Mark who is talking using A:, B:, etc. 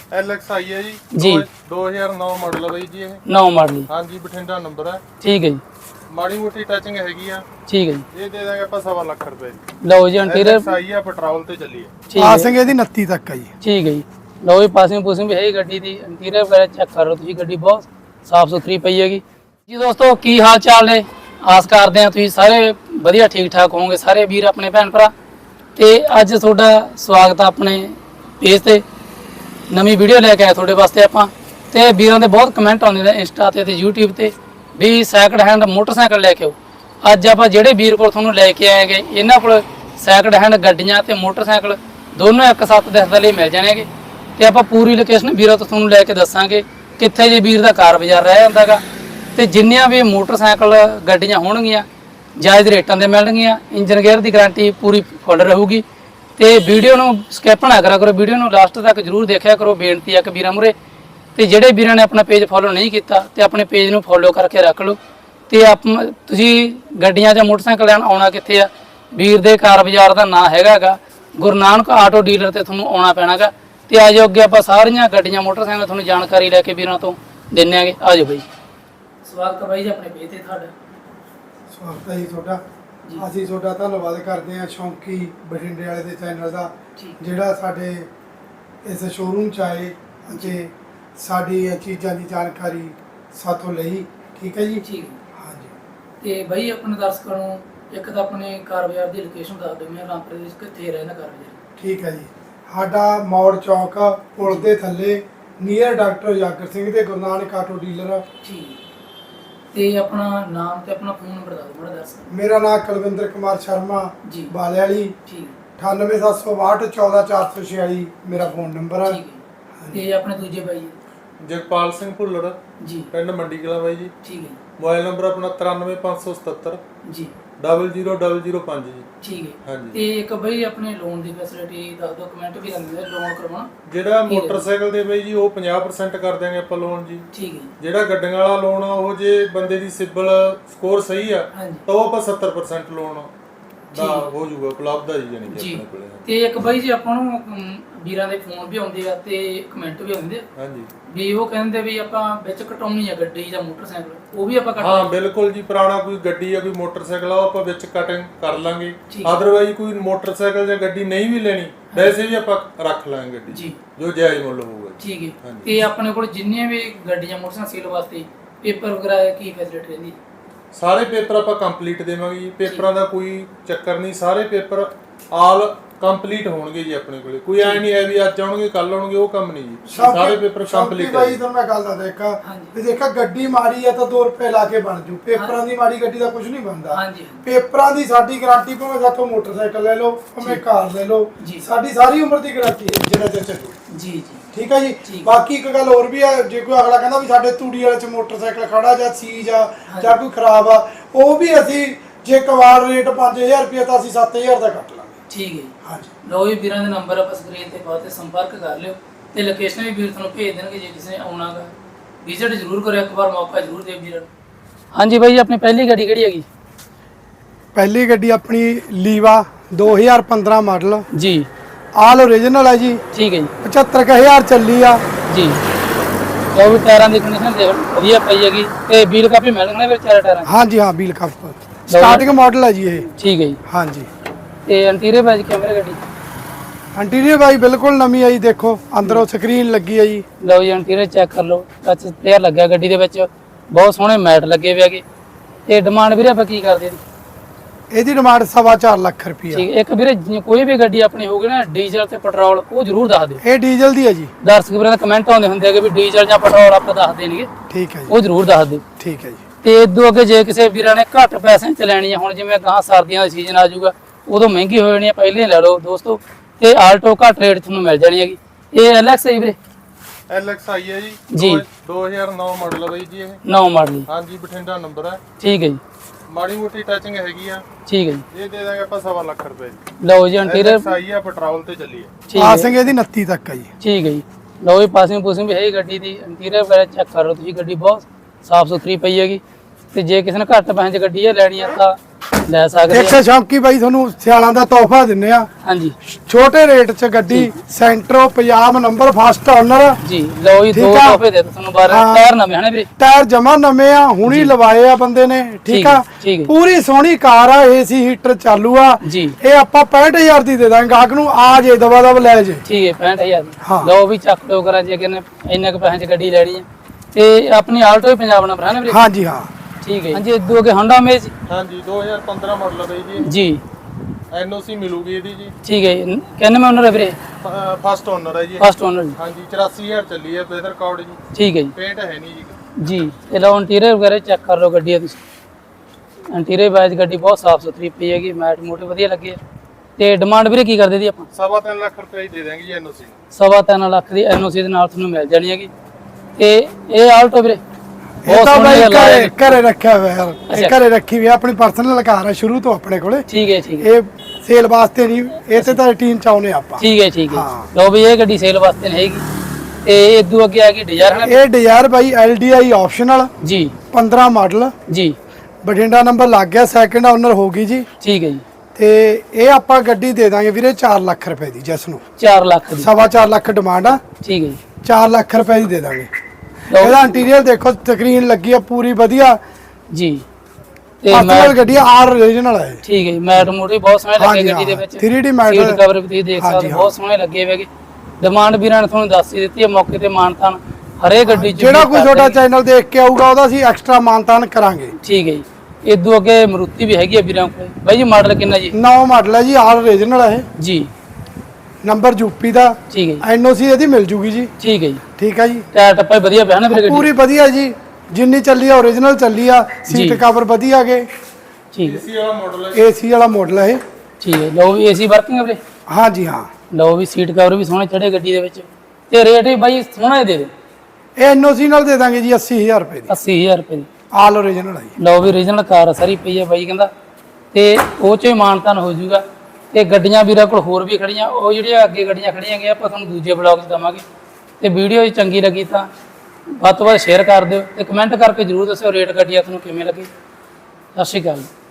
A: LX आई है
B: जी
A: 2009 model है जी ये
B: 9 मॉडल
A: हाँ जी बठिंडा नंबर है
B: ठीक है जी
A: माड़ी मोटी टचिंग हैगी आ
B: ठीक है जी
A: ये दे देंगे ਆਪਾਂ 1.5 ਲੱਖ ਰੁਪਏ ਦੀ
B: ਲਓ ਜੀ ਇੰਟੀਰੀਅਰ
A: LX आई है पेट्रोल ਤੇ ਚੱਲੀ ਹੈ
B: ਠੀਕ ਹੈ
C: ਪਾਸਿੰਗ ਇਹਦੀ 29 ਤੱਕ ਆ ਜੀ
B: ਠੀਕ ਹੈ ਜੀ ਲਓ ਜੀ ਪਾਸਿੰਗ ਪੂਸਿੰਗ ਵੀ ਹੈ ਗੱਡੀ ਦੀ ਇੰਟੀਰੀਅਰ ਵਗੈਰਾ ਚੈੱਕ ਕਰ ਲਓ ਤੁਸੀਂ ਗੱਡੀ ਬਹੁਤ ਸਾਫ ਸੁਥਰੀ ਪਈ ਹੈਗੀ ਜੀ ਦੋਸਤੋ ਕੀ ਹਾਲ ਚਾਲ ਨੇ ਆਸ ਕਰਦੇ ਆ ਤੁਸੀਂ ਸਾਰੇ ਵਧੀਆ ਠੀਕ ਠਾਕ ਹੋਵੋਗੇ ਸਾਰੇ ਵੀਰ ਆਪਣੇ ਭੈਣ ਭਰਾ ਤੇ ਅੱਜ ਤੁਹਾਡਾ ਸਵਾਗਤ ਆ ਆਪਣੇ ਪੇਜ ਤੇ ਨਵੀਂ ਵੀਡੀਓ ਲੈ ਕੇ ਆਏ ਤੁਹਾਡੇ ਵਾਸਤੇ ਆਪਾਂ ਤੇ ਵੀਰਾਂ ਦੇ ਬਹੁਤ ਕਮੈਂਟ ਆਉਂਦੇ ਨੇ ਇੰਸਟਾ ਤੇ YouTube ਤੇ ਵੀ ਸੈਕਿੰਡ ਹੈਂਡ ਮੋਟਰਸਾਈਕਲ ਲੈ ਕੇ ਆਓ ਅੱਜ ਆਪਾਂ ਜਿਹੜੇ ਵੀਰ ਕੋਲ ਤੁਹਾਨੂੰ ਲੈ ਕੇ ਆਏਗੇ ਇਹਨਾਂ ਕੋਲ ਸੈਕਿੰਡ ਹੈਂਡ ਗੱਡੀਆਂ ਤੇ ਮੋਟਰਸਾਈਕਲ ਦੋਨੋਂ ਇੱਕ ਸਾਥ ਦੇ ਲਈ ਮਿਲ ਜਾਣਗੇ ਤੇ ਆਪਾਂ ਪੂਰੀ ਲੋਕੇਸ਼ਨ ਵੀਰਾਂ ਤੋਂ ਤੁਹਾਨੂੰ ਲੈ ਕੇ ਦੱਸਾਂਗੇ ਕਿੱਥੇ ਜੇ ਵੀਰ ਦਾ ਕਾਰ ਬਾਜ਼ਾਰ ਰਹਿ ਜਾਂਦਾਗਾ ਤੇ ਜਿੰਨੀਆਂ ਵੀ ਮੋਟਰਸਾਈਕਲ ਗੱਡੀਆਂ ਹੋਣਗੀਆਂ ਜਾਇਜ਼ ਰੇਟਾਂ ਦੇ ਮਿਲਣਗੀਆਂ ਇੰਜਨ ਗੇਅਰ ਦੀ ਗਾਰੰਟੀ ਪੂਰੀ ਫੁੱਲ ਰਹੂਗੀ ਤੇ ਵੀਡੀਓ ਨੂੰ ਸਕਿਪ ਨਾ ਕਰਿਆ ਕਰੋ ਵੀਡੀਓ ਨੂੰ ਲਾਸਟ ਤੱਕ ਜਰੂਰ ਦੇਖਿਆ ਕਰੋ ਬੇਨਤੀ ਆ ਕਿ ਵੀਰਾਂ ਮੁਰੇ ਤੇ ਜਿਹੜੇ ਵੀਰਾਂ ਨੇ ਆਪਣਾ ਪੇਜ ਫੋਲੋ ਨਹੀਂ ਕੀਤਾ ਤੇ ਆਪਣੇ ਪੇਜ ਨੂੰ ਫੋਲੋ ਕਰਕੇ ਰੱਖ ਲਓ ਤੇ ਤੁਸੀਂ ਗੱਡੀਆਂ ਜਾਂ ਮੋਟਰਸਾਈਕਲ ਲੈਣ ਆਉਣਾ ਕਿੱਥੇ ਆ ਵੀਰ ਦੇ ਕਾਰ ਬਾਜ਼ਾਰ ਦਾ ਨਾਂ ਹੈਗਾਗਾ ਗੁਰੂ ਨਾਨਕ ਆਟੋ ਡੀਲਰ ਤੇ ਤੁਹਾਨੂੰ ਆਉਣਾ ਪੈਣਾਗਾ ਤੇ ਆਜੋ ਅੱਗੇ ਆਪਾਂ ਸਾਰੀਆਂ ਗੱਡੀਆਂ ਮੋਟਰਸਾਈਕਲ ਤੁਹਾਨੂੰ ਜਾਣਕਾਰੀ ਲੈ ਕੇ ਵੀਰਾਂ ਤੋਂ ਦਿੰਨੇ ਆਗੇ ਆਜੋ ਬਾਈ ਸਵਾਗਤ ਹੈ ਬਾਈ ਜੀ ਆਪਣੇ ਪੇਜ ਤੇ ਤੁਹਾਡਾ
C: ਸਵਾਗਤ ਹੈ ਜੀ ਤੁਹਾਡਾ ਅਸੀਂ ਤੁਹਾਡਾ ਧੰਨਵਾਦ ਕਰਦੇ ਹਾਂ ਸ਼ੌਂਕੀ ਬਠਿੰਡੇ ਵਾਲੇ ਦੇ ਚੈਨਲ ਦਾ ਜਿਹੜਾ ਸਾਡੇ ਇਸ ਸ਼ੋਰੂਮ ਚ ਆਏ ਅਤੇ ਸਾਡੀ ਇਹ ਚੀਜ਼ਾਂ ਦੀ ਜਾਣਕਾਰੀ ਸਾਥੋਂ ਲਈ ਠੀਕ ਹੈ ਜੀ
B: ਠੀਕ ਹੈ
C: ਹਾਂਜੀ
B: ਤੇ ਬਾਈ ਆਪਣੇ ਦਰਸ਼ਕਾਂ ਨੂੰ ਇੱਕ ਤਾਂ ਆਪਣੇ ਕਾਰ ਬਾਜ਼ਾਰ ਦੀ ਲੋਕੇਸ਼ਨ ਦੱਸ ਦਿਓ ਮੈਂ ਰਾਮਪੁਰ ਦੇ ਕਿੱਥੇ ਰਹਿੰਦਾ ਕਾਰ ਬਾਜ਼ਾਰ
C: ਠੀਕ ਹੈ ਜੀ ਸਾਡਾ ਮੌੜ ਚੌਕ ਪੁਲ ਦੇ ਥੱਲੇ ਨੀਅਰ ਡਾਕਟਰ ਜਾਗਰ ਸਿੰਘ ਦੇ ਗੁਰੂ ਨਾਨਕ ਆਟੋ ਡੀਲਰ
B: ਠੀਕ ਤੇ ਆਪਣਾ ਨਾਮ ਤੇ ਆਪਣਾ ਫੋਨ ਨੰਬਰ ਦੱਸ ਦਿਓ ਮੇਰਾ ਦਰਸ਼ਕ
C: ਮੇਰਾ ਨਾਮ ਕੁਲਵਿੰਦਰ ਕੁਮਾਰ ਸ਼ਰਮਾ
B: ਜੀ
C: ਬਾਲੇ ਵਾਲੀ
B: ਠੀਕ
C: 98762 14446 ਮੇਰਾ ਫੋਨ ਨੰਬਰ ਹੈ
B: ਠੀਕ ਹੈ ਤੇ ਆਪਣੇ ਦੂਜੇ ਬਾਈ
A: ਜਗਪਾਲ ਸਿੰਘ ਭੁੱਲੜ
B: ਜੀ
A: ਪਿੰਡ ਮੰਡੀ ਕਲਾਂ ਬਾਈ ਜੀ
B: ਠੀਕ ਹੈ
A: ਮੋਬਾਈਲ ਨੰਬਰ ਆਪਣਾ 93577
B: ਜੀ
A: 00005 ਜੀ
B: ਠੀਕ ਹੈ
A: ਹਾਂਜੀ
B: ਤੇ ਇੱਕ ਬਈ ਆਪਣੇ ਲੋਨ ਦੀ ਫੈਸਿਲਿਟੀ ਦੱਸ ਦਿਓ ਕਮੈਂਟ ਵੀ ਆਉਂਦੇ ਨੇ ਲੋਨ ਕਰਵਾਉਣਾ
A: ਜਿਹੜਾ ਮੋਟਰਸਾਈਕਲ ਦੇ ਬਈ ਜੀ ਉਹ 50% ਕਰ ਦਿਆਂਗੇ ਆਪਾਂ ਲੋਨ ਜੀ
B: ਠੀਕ ਹੈ
A: ਜਿਹੜਾ ਗੱਡੀਆਂ ਵਾਲਾ ਲੋਨ ਆ ਉਹ ਜੇ ਬੰਦੇ ਦੀ ਸਿਬਲ ਸਕੋਰ ਸਹੀ ਆ
B: ਹਾਂਜੀ
A: ਤਾਂ ਉਹ ਆਪਾਂ 70% ਲੋਨ ਦਾ ਹੋ ਜਾਊਗਾ ਉਪਲਬਧ ਆ ਜੀ ਜਾਨੀ ਕਿ ਆਪਣੇ ਕੋਲੇ
B: ਤੇ ਇੱਕ ਬਾਈ ਜੀ ਆਪਾਂ ਨੂੰ ਵੀਰਾਂ ਦੇ ਫੋਨ ਵੀ ਆਉਂਦੇ ਆ ਤੇ ਕਮੈਂਟ ਵੀ ਆਉਂਦੇ ਆ
A: ਹਾਂਜੀ
B: ਵੀ ਉਹ ਕਹਿੰਦੇ ਵੀ ਆਪਾਂ ਵਿੱਚ ਕਟਾਉਣੀ ਆ ਗੱਡੀ ਜਾਂ ਮੋਟਰਸਾਈਕਲ ਉਹ ਵੀ ਆਪਾਂ
A: ਹਾਂ ਬਿਲਕੁਲ ਜੀ ਪੁਰਾਣਾ ਕੋਈ ਗੱਡੀ ਆ ਕੋਈ ਮੋਟਰਸਾਈਕਲ ਆ ਉਹ ਆਪਾਂ ਵਿੱਚ ਕਟਿੰਗ ਕਰ ਲਾਂਗੇ ਅਦਰਵਾਈਜ਼ ਕੋਈ ਮੋਟਰਸਾਈਕਲ ਜਾਂ ਗੱਡੀ ਨਹੀਂ ਵੀ ਲੈਣੀ ਵੈਸੇ ਵੀ ਆਪਾਂ ਰੱਖ ਲਾਂਗੇ ਗੱਡੀ
B: ਜੀ
A: ਜੋ ਜਾਇਜ਼ ਮੁੱਲ ਹੋਊਗਾ
B: ਠੀਕ ਹੈ ਤੇ ਆਪਣੇ ਕੋਲ ਜਿੰਨੀਆਂ ਵੀ ਗੱਡੀਆਂ ਮੋਟਰਸਾਈਕਲ ਸੇਲ ਵਾਸਤੇ ਪੇਪਰ ਵਗੈਰਾ ਕੀ ਫੈਸਿਲਿਟੀ ਰਹਿੰਦੀ
A: ਸਾਰੇ ਪੇਪਰ ਆਪਾਂ ਕੰਪਲੀਟ ਦੇਵਾਂਗੇ ਜੀ ਪੇਪਰਾਂ ਦਾ ਕੋਈ ਚੱਕਰ ਨਹੀਂ ਸਾਰੇ ਪੇਪਰ ਆਲ ਕੰਪਲੀਟ ਹੋਣਗੇ ਜੀ ਆਪਣੇ ਕੋਲੇ ਕੋਈ ਐ ਨਹੀਂ ਹੈ ਵੀ ਅੱਜ ਆਉਣਗੇ ਕੱਲ ਆਉਣਗੇ ਉਹ ਕੰਮ ਨਹੀਂ ਜੀ ਸਾਰੇ ਪੇਪਰ ਕੰਪਲੀਟ
C: ਬਾਈ ਤਾਂ ਮੈਂ ਗੱਲ ਦਾ ਦੇਖਾ ਵੀ ਦੇਖਾ ਗੱਡੀ ਮਾੜੀ ਆ ਤਾਂ 2 ਰੁਪਏ ਲਾ ਕੇ ਬਣ ਜੂ ਪੇਪਰਾਂ ਦੀ ਮਾੜੀ ਗੱਡੀ ਦਾ ਕੁਝ ਨਹੀਂ ਬਣਦਾ
B: ਹਾਂਜੀ
C: ਪੇਪਰਾਂ ਦੀ ਸਾਡੀ ਗਾਰੰਟੀ ਭਾਵੇਂ ਸਾਥੋਂ ਮੋਟਰਸਾਈਕਲ ਲੈ ਲਓ ਭਾਵੇਂ ਕਾਰ ਲੈ ਲਓ ਸਾਡੀ ਸਾਰੀ ਉਮਰ ਦੀ ਗਾਰੰਟੀ ਹੈ ਜਿਹੜਾ ਚਿਰ ਚੱਲੂ
B: ਜੀ ਜੀ
C: ਠੀਕ ਹੈ ਜੀ ਬਾਕੀ ਇੱਕ ਗੱਲ ਹੋਰ ਵੀ ਹੈ ਜੇ ਕੋਈ ਅਗਲਾ ਕਹਿੰਦਾ ਵੀ ਸਾਡੇ ਤੂੜੀ ਵਾਲੇ ਚ ਮੋਟਰਸਾਈਕਲ ਖੜਾ ਜਾਂ ਸੀਜ ਆ ਜਾਂ ਕੋਈ ਖਰਾਬ ਆ ਉਹ ਵੀ ਅਸੀਂ ਜੇ ਕਵਾੜ ਰੇਟ 5000 ਰੁਪਏ ਤਾਂ ਅਸੀਂ 7000 ਦਾ ਕੱਟ ਲਾਂਗੇ
B: ਠੀਕ ਹੈ
C: ਹਾਂਜੀ
B: ਲਓ ਇਹ ਵੀਰਾਂ ਦੇ ਨੰਬਰ ਆਪਾਂ ਸਕਰੀਨ ਤੇ ਪਾ ਤੇ ਸੰਪਰਕ ਕਰ ਲਿਓ ਤੇ ਲੋਕੇਸ਼ਨ ਵੀ ਵੀਰ ਤੁਹਾਨੂੰ ਭੇਜ ਦੇਣਗੇ ਜੇ ਕਿਸੇ ਨੇ ਆਉਣਾਗਾ ਵਿਜ਼ਿਟ ਜ਼ਰੂਰ ਕਰਿਓ ਇੱਕ ਵਾਰ ਮੌਕਾ ਜ਼ਰੂਰ ਦਿਓ ਵੀਰਾਂ ਨੂੰ ਹਾਂਜੀ ਬਾਈ ਆਪਣੀ ਪਹਿਲੀ ਗੱਡੀ ਕਿਹੜੀ ਹੈਗੀ
C: ਪਹਿਲੀ ਗੱਡੀ ਆਪਣੀ ਲੀਵਾ 2015 ਮਾਡਲ
B: ਜੀ
C: ਆਲ ਓਰੀਜਨਲ ਹੈ ਜੀ
B: ਠੀਕ ਹੈ ਜੀ
C: 75000 ਚੱਲੀ ਆ
B: ਜੀ ਉਹ ਵੀ ਟਾਇਰਾਂ ਦੀ ਕੰਡੀਸ਼ਨ ਦੇਖ ਵਧੀਆ ਪਈ ਹੈਗੀ ਤੇ ਵੀਲ ਕਾਪੀ ਮਿਲ ਜਾਣਾ ਫਿਰ ਚਾਰ ਟਾਇਰਾਂ
C: ਹਾਂਜੀ ਹਾਂ ਵੀਲ ਕੱਪ ਸਟਾਰਟਿੰਗ ਮਾਡਲ ਹੈ ਜੀ ਇਹ
B: ਠੀਕ ਹੈ ਜੀ
C: ਹਾਂਜੀ
B: ਤੇ ਇੰਟੀਰੀਅਰ ਬਾਈ ਕੈਮਰਾ ਗੱਡੀ
C: ਇੰਟੀਰੀਅਰ ਬਾਈ ਬਿਲਕੁਲ ਨਵੀਂ ਆਈ ਦੇਖੋ ਅੰਦਰੋਂ ਸਕਰੀਨ ਲੱਗੀ ਹੈ ਜੀ
B: ਲਓ ਜੀ ਇੰਟੀਰੀਅਰ ਚੈੱਕ ਕਰ ਲਓ ਟੱਚ ਪਲੇਅਰ ਲੱਗਿਆ ਗੱਡੀ ਦੇ ਵਿੱਚ ਬਹੁਤ ਸੋਹਣੇ ਮੈਟ ਲੱਗੇ ਹੋਏ ਹੈਗੇ ਤੇ ਡਿਮਾਂਡ ਵੀਰੇ ਆਪਾਂ ਕੀ ਕਰਦੇ
C: ਇਹਦੀ ਡਿਮਾਂਡ 4.5 ਲੱਖ ਰੁਪਈਆ
B: ਠੀਕ ਇੱਕ ਵੀਰੇ ਕੋਈ ਵੀ ਗੱਡੀ ਆਪਣੀ ਹੋਊਗੀ ਨਾ ਡੀਜ਼ਲ ਤੇ ਪੈਟਰੋਲ ਉਹ ਜ਼ਰੂਰ ਦੱਸ ਦਿਓ
C: ਇਹ ਡੀਜ਼ਲ ਦੀ ਹੈ ਜੀ
B: ਦਰਸ਼ਕ ਵੀਰਾਂ ਦੇ ਕਮੈਂਟ ਆਉਂਦੇ ਹੁੰਦੇ ਆ ਵੀ ਡੀਜ਼ਲ ਜਾਂ ਪੈਟਰੋਲ ਆਪਾਂ ਦੱਸ ਦੇਣਗੇ
C: ਠੀਕ ਹੈ ਜੀ
B: ਉਹ ਜ਼ਰੂਰ ਦੱਸ ਦਿਓ
C: ਠੀਕ ਹੈ ਜੀ
B: ਤੇ ਇਦੋਂ ਅੱਗੇ ਜੇ ਕਿਸੇ ਵੀਰਾਂ ਨੇ ਘੱਟ ਪੈਸਿਆਂ 'ਚ ਲੈਣੀ ਆ ਹੁਣ ਜਿਵੇਂ ਗਾਂ ਸਰਦੀਆਂ ਦਾ ਸੀਜ਼ਨ ਆ ਜਾਊਗਾ ਉਦੋਂ ਮਹਿੰਗੀ ਹੋ ਜਾਣੀ ਆ ਪਹਿਲੇ ਲੈ ਲਓ ਦੋਸਤੋ ਤੇ ਆਲਟੋ ਘੱਟ ਰੇਟ ਤੁਹਾਨੂੰ ਮਿਲ ਜਾਣੀ ਹੈਗੀ ਇਹ LX ਹੈ ਵੀਰੇ
A: LX आई है
B: जी
A: 2009 मॉडल है जी ये
B: 9 ਮਾਡਲ
A: हाँ जी बठिंडा नंबर है
B: ਠੀਕ ਹੈ ਜੀ
A: ਮਾੜੀ ਮੋਟੀ ਟੱਚਿੰਗ ਹੈਗੀ ਆ
B: ਠੀਕ ਹੈ ਜੀ
A: ਇਹ ਦੇ ਦਾਂਗੇ ਆਪਾਂ 1.5 ਲੱਖ ਰੁਪਏ ਦੀ
B: ਲਓ ਜੀ ਇੰਟੀਰੀਅਰ
A: LX आई है पेट्रोल ਤੇ ਚੱਲੀ ਹੈ
B: ਠੀਕ ਹੈ
C: ਪਾਸਿੰਗ ਇਹਦੀ 29 ਤੱਕ ਹੈ ਜੀ
B: ਠੀਕ ਹੈ ਜੀ ਲਓ ਜੀ ਪਾਸਿੰਗ ਪੂਸਿੰਗ ਵੀ ਹੈ ਗੱਡੀ ਦੀ ਇੰਟੀਰੀਅਰ ਵਗੈਰਾ ਚੈੱਕ ਕਰ ਲਓ ਤੁਸੀਂ ਗੱਡੀ ਬਹੁਤ ਸਾਫ ਸੁਥਰੀ ਪਈ ਹੈਗੀ ਤੇ ਜੇ ਕਿਸੇ ਨੇ ਘੱਟ ਪੈਸੇ 'ਚ ਗੱਡੀ ਇਹ ਲੈਣੀ ਆ ਤਾਂ ਲੈ ਸਕਦੇ
C: ਇੱਕ ਸ਼ੌਂਕੀ ਬਾਈ ਤੁਹਾਨੂੰ ਸਿਆਲਾਂ ਦਾ ਤੋਹਫਾ ਦਿੰਨੇ ਆ
B: ਹਾਂਜੀ
C: ਛੋਟੇ ਰੇਟ 'ਚ ਗੱਡੀ Santro Punjab number first owner
B: ਜੀ। ਲਓ ਜੀ, ਦੋ
C: ਠੀਕ ਆ।
B: ਤੋਹਫੇ ਦੇ ਦਿੱਤੇ ਤੁਹਾਨੂੰ ਬਾਹਰ।
C: ਹਾਂ।
B: ਟਾਇਰ ਨਵੇਂ ਹਨੇ ਵੀਰੇ?
C: ਟਾਇਰ ਜਮਾ ਨਵੇਂ ਆ, ਹੁਣੀ ਲਵਾਏ ਆ ਬੰਦੇ ਨੇ। ਠੀਕ ਆ,
B: ਠੀਕ ਹੈ।
C: ਪੂਰੀ ਸੋਹਣੀ ਕਾਰ ਆ, ਏਸੀ ਹੀਟਰ ਚਾਲੂ ਆ।
B: ਜੀ
C: ਇਹ ਆਪਾਂ 65000 ਦੀ ਦੇ ਦਾਂਗੇ ਗਾਹਕ ਨੂੰ, ਆ ਜੇ ਦਵਾ ਦਵ ਲੈ ਜੇ।
B: ਠੀਕ ਹੈ, 65000
C: ਹਾਂ।
B: ਲਓ ਵੀ ਚੱਕ ਲਿਓ ਕਰਾਂ ਜੇ ਕਿਨੇ ਇੰਨੇ ਕੁ ਪੈਸੇ 'ਚ ਗੱਡੀ ਲੈਣੀ ਹੈ। ਤੇ ਆਪਣੀ ਆਲਟੋ ਹੀ ਪੰਜਾਬ ਨੰਬਰ ਹੈ ਨਾ ਵੀਰੇ?
C: ਹਾਂਜੀ ਹਾਂ
B: ਠੀਕ ਹੈ। ਹਾਂਜੀ, ਇਦੋਂ ਅੱਗੇ ਹੋਂਡਾ ਅਮੇਜ਼
A: ਹਾਂਜੀ 2015 ਮਾਡਲ ਹੈ ਬਾਈ ਜੀ।
B: ਜੀ
A: ਐਨਓਸੀ ਮਿਲੂਗੀ ਇਹਦੀ ਜੀ।
B: ਠੀਕ ਹੈ। ਕਿੰਨੇ ਮੈਂ ਓਨਰ ਹੈ ਵੀਰੇ?
A: ਫਸਟ ਓਨਰ ਹੈ ਜੀ।
B: ਫਸਟ ਓਨਰ ਜੀ।
A: ਹਾਂਜੀ 84000 ਚੱਲੀ ਹੈ ਬੇਦਰ ਕਾਰਡ ਜੀ।
B: ਠੀਕ ਹੈ ਜੀ।
A: ਪੇਂਟ ਹੈ ਨਹੀਂ ਜੀ।
B: ਜੀ ਤੇ ਲਓ ਇੰਟੀਰੀਅਰ ਵਗੈਰਾ ਚੈੱਕ ਕਰ ਲਓ ਗੱਡੀ ਦਾ ਤੁਸੀਂ। ਇੰਟੀਰੀਅਰ ਵਾਈਜ਼ ਗੱਡੀ ਬਹੁਤ ਸਾਫ ਸੁਥਰੀ ਪਈ ਹੈਗੀ, ਮੈਟ ਮੋਟੇ ਵਧੀਆ ਲੱਗੇ ਆ। ਤੇ ਡਿਮਾਂਡ ਵੀਰੇ ਕੀ ਕਰਦੇ ਦੀ ਆਪਾਂ?
A: 3.5 ਲੱਖ ਰੁਪਏ ਹੀ ਦੇ ਦਾਂਗੇ ਜੀ ਐਨਓਸੀ।
B: 3.25 ਲੱਖ ਦੀ ਐਨਓਸੀ ਦੇ ਨਾਲ ਤੁਹਾਨੂੰ ਮਿਲ ਜਾਣੀ ਹੈਗੀ। ਤੇ ਇਹ ਆਲਟੋ ਵੀਰੇ
C: ਇਹ ਤਾਂ ਬਾਈ
B: ਸੋਹਣੀ ਲਾਇਆ ਜੀ।
C: ਘਰੇ ਰੱਖਿਆ ਹੋਇਆ ਯਾਰ, ਇਹ ਘਰੇ ਰੱਖੀ ਵੀ ਆ, ਆਪਣੀ ਪਰਸਨਲ ਕਾਰ ਆ ਸ਼ੁਰੂ ਤੋਂ ਆਪਣੇ ਕੋਲੇ।
B: ਠੀਕ ਹੈ, ਠੀਕ ਹੈ,
C: ਇਹ ਸੇਲ ਵਾਸਤੇ ਨਹੀਂ, ਇਹ ਤੇ ਤਾਂ ਰੂਟੀਨ ਚ ਆਉਨੇ ਆਪਾਂ।
B: ਠੀਕ ਹੈ, ਠੀਕ ਹੈ।
C: ਹਾਂ।
B: ਲਓ ਵੀ ਇਹ ਗੱਡੀ ਸੇਲ ਵਾਸਤੇ ਨਹੀਂ ਹੈਗੀ। ਤੇ ਇਦੋਂ ਅੱਗੇ ਆ ਗਈ ਡਿਜ਼ਾਇਰ ਹੈ
C: ਇਹ ਡਿਜ਼ਾਇਰ ਬਾਈ LDI ਆਪਸ਼ਨਲ
B: ਜੀ
C: 15 ਮਾਡਲ,
B: ਜੀ।
C: ਬਠਿੰਡਾ ਨੰਬਰ ਲੱਗ ਗਿਆ, ਸੈਕਿੰਡ ਓਨਰ ਹੋ ਗਈ ਜੀ।
B: ਠੀਕ ਹੈ ਜੀ।
C: ਤੇ ਇਹ ਆਪਾਂ ਗੱਡੀ ਦੇ ਦਾਂਗੇ ਵੀਰੇ 4 ਲੱਖ ਰੁਪਏ ਦੀ, ਜਿਸ ਨੂੰ
B: 4 ਲੱਖ ਦੀ।
C: 4.25 ਲੱਖ ਡਿਮਾਂਡ ਆ,
B: ਠੀਕ ਹੈ ਜੀ।
C: 4 ਲੱਖ ਰੁਪਏ ਦੀ ਦੇ ਦਾਂਗੇ।
B: ਲਓ
C: ਇਹਦਾ ਇੰਟੀਰੀਅਰ ਦੇਖੋ, ਸਕਰੀਨ ਲੱਗੀ ਆ ਪੂਰੀ ਵਧੀਆ,
B: ਜੀ। ਤੇ
C: ਪਰਸਨਲ ਗੱਡੀ ਆਰ ਓਰੀਜਨਲ ਹੈ।
B: ਠੀਕ ਹੈ ਜੀ। ਮੈਟ ਮੋਟੇ ਬਹੁਤ ਸੋਹਣੇ ਲੱਗੇ
C: ਹਾਂਜੀ,
B: ਗੱਡੀ ਦੇ
C: ਹਾਂ।
B: ਵਿੱਚ।
C: 3D mat.
B: ਸੀਟ ਕਵਰ ਵੀ ਤੁਸੀਂ ਦੇਖ
C: ਹਾਂਜੀ,
B: ਸਕਦੇ ਹੋ, ਬਹੁਤ ਸੋਹਣੇ ਲੱਗੇ ਹੋਏਗੇ। ਡਿਮਾਂਡ ਵੀਰਾਂ ਨੇ ਤੁਹਾਨੂੰ ਦੱਸ ਹੀ ਦਿੱਤੀ ਹੈ, ਮੌਕੇ ਤੇ ਮਾਨਤਾਨ ਹਰੇਕ ਗੱਡੀ 'ਚ
C: ਜਿਹੜਾ
B: ਵੀ
C: ਕੋਈ
B: ਕਰ
C: ਤੁਹਾਡਾ
B: ਦੇਣਗੇ।
C: ਚੈਨਲ ਦੇਖ ਕੇ ਆਊਗਾ ਉਹਦਾ ਅਸੀਂ ਐਕਸਟਰਾ ਮਾਨਤਾਨ ਕਰਾਂਗੇ।
B: ਠੀਕ ਹੈ ਜੀ। ਇਦੋਂ ਅੱਗੇ ਮਰੂਤੀ ਵੀ ਹੈਗੀ ਹੈ ਵੀਰਾਂ ਕੋਲ। ਬਾਈ ਜੀ ਮਾਡਲ ਕਿੰਨਾ ਜੀ?
C: 9 ਮਾਡਲ ਹੈ ਜੀ, ਆਰ ਓਰੀਜਨਲ ਹੈ,
B: ਜੀ
C: ਨੰਬਰ ਯੂਪੀ ਦਾ,
B: ਠੀਕ ਹੈ ਜੀ।
C: ਐਨਓਸੀ ਇਹਦੀ ਮਿਲ ਜੂਗੀ ਜੀ।
B: ਠੀਕ ਹੈ ਜੀ।
C: ਠੀਕ ਹੈ ਜੀ,
B: ਟਾਇਰ ਟੱਪਾ ਵੀ ਵਧੀਆ ਪਿਆ ਨਾ ਵੀਰੇ ਗੱਡੀ?
C: ਪੂਰੀ ਵਧੀਆ ਜੀ, ਜਿੰਨੀ ਚੱਲੀ ਆ ਓਰੀਜਨਲ ਚੱਲੀ ਆ, ਸੀਟ
B: ਜੀ।
C: ਕਵਰ ਵਧੀਆ ਗਏ,
B: ਠੀਕ ਹੈ,
A: ਏਸੀ ਵਾਲਾ ਮਾਡਲ ਹੈ।
C: ਏਸੀ ਵਾਲਾ ਮਾਡਲ ਹੈ ਇਹ।
B: ਠੀਕ ਹੈ। ਲਓ ਵੀ ਏਸੀ ਵਰਕਿੰਗ ਹੈ ਵੀਰੇ?
C: ਹਾਂਜੀ ਹਾਂ,
B: ਲਓ ਵੀ ਸੀਟ ਕਵਰ ਵੀ ਸੋਹਣੇ ਚੜੇ ਗੱਡੀ ਦੇ ਵਿੱਚ। ਤੇ ਰੇਟ ਵੀ ਬਾਈ ਸੋਹਣਾ ਹੀ ਦੇ ਦਿਓ।
C: ਇਹ ਐਨਓਸੀ ਨਾਲ ਦੇ ਦਾਂਗੇ ਜੀ 80000 ਰੁਪਏ ਦੀ,
B: 80000 ਰੁਪਏ ਦੀ।
C: ਆਲ ਓਰੀਜਨਲ ਹੈ ਜੀ।
B: ਲਓ ਵੀ ਰੀਜਨਲ ਕਾਰ ਸਾਰੀ ਪਈ ਹੈ ਬਾਈ ਕਹਿੰਦਾ। ਤੇ ਉਹ ਚੋਂ ਹੀ ਮਾਨਤਾਨ ਹੋ ਜਾਊਗਾ। ਤੇ ਗੱਡੀਆਂ ਵੀਰਾਂ ਕੋਲ ਹੋਰ ਵੀ ਖੜੀਆਂ, ਉਹ ਜਿਹੜੀਆਂ ਅੱਗੇ ਗੱਡੀਆਂ ਖੜੀਆਂ ਗਈਆਂ ਆਪਾਂ ਤੁਹਾਨੂੰ ਦੂਜੇ ਬਲੌਗ 'ਚ ਦਵਾਂਗੇ। ਤੇ ਵੀਡੀਓ ਜੇ ਚੰਗੀ ਲੱਗੀ ਤਾਂ ਵੱਧ ਤੋਂ ਵੱਧ ਸ਼ੇਅਰ ਕਰ ਦਿਓ ਤੇ ਕਮੈਂਟ ਕਰਕੇ ਜਰੂਰ ਦੱਸਿਓ ਰੇਟ ਗੱਡੀਆਂ ਤੁਹਾਨੂੰ ਕਿਵੇਂ ਲੱਗੀ। ਸਤਿ ਸ਼੍ਰੀ ਅਕਾਲ।